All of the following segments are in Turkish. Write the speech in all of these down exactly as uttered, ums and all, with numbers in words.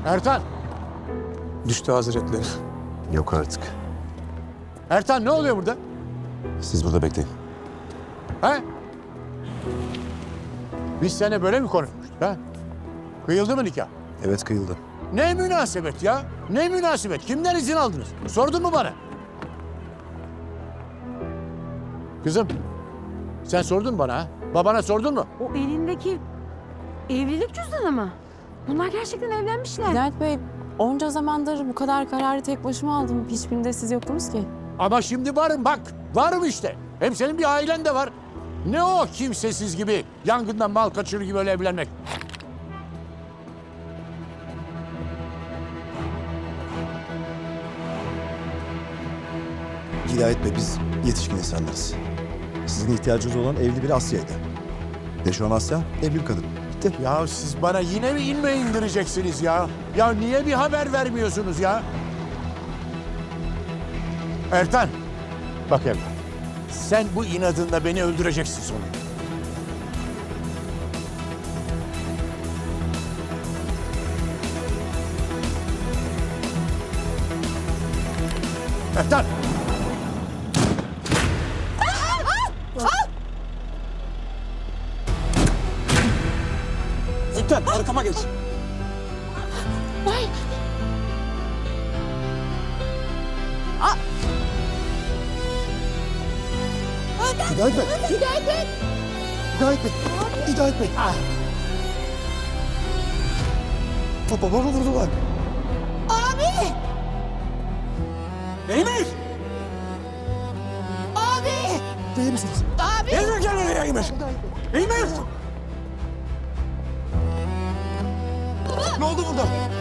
Ertan! Düştü Hazretleri. Yok artık. Ertan ne oluyor burada? Siz burada bekleyin. He? Biz seninle böyle mi konuşmuştuk ha? Kıyıldı mı nikah? Evet, kıyıldı. Ne münasebet ya? Ne münasebet? Kimden izin aldınız? Sordun mu bana? Kızım, sen sordun mu bana ha? Babana sordun mu? O elindeki evlilik cüzdanı mı? Bunlar gerçekten evlenmişler. Hidayet Bey, onca zamandır bu kadar kararı tek başıma aldım. Hiçbirinde siz yoktunuz ki. Ama şimdi varım bak. Varım işte. Hem senin bir ailen de var. Ne o kimsesiz gibi, yangından mal kaçırır gibi öyle evlenmek? Hidayet Bey, biz yetişkin insanlarız. Sizin ihtiyacınız olan evli bir Asya'ydı. Ve şu an Asya evli bir kadın. Bitti. Ya siz bana yine mi inme indireceksiniz ya? Ya niye bir haber vermiyorsunuz ya? Ertan, bak Ertan. Sen bu inadınla beni öldüreceksin sonra. Ertan! Zütten arkama geç. Hidayet Bey! Hidayet Bey! Hidayet Bey! Hidayet Bey! Ah. Babamı vurdular. Emir! Değil misiniz? Emir gel oraya Emir! Emir! Ne oldu burada?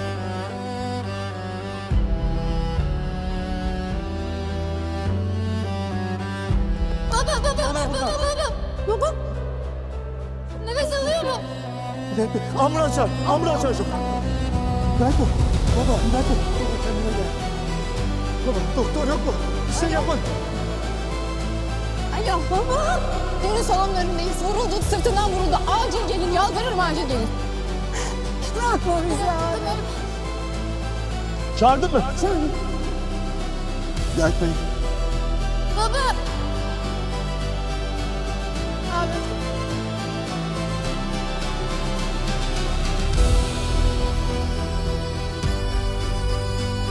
Baba baba baba baba. Baba. Nefes alıyor mu? Hidayet Bey! Ambulans çağır! Ambulans çağır! Hidayet Bey! Baba! Hidayet Bey! Baba kendine gel. Baba doktor yok mu? Bir şey yapın. Alo baba. Deniz salonlarındayız. Vuruldu. Sırtından vuruldu. Acil gelin. Yalvarırım acil gelin. Bırakma bizi abi. Çağırdın mı? Hidayet Bey! Baba. Abi.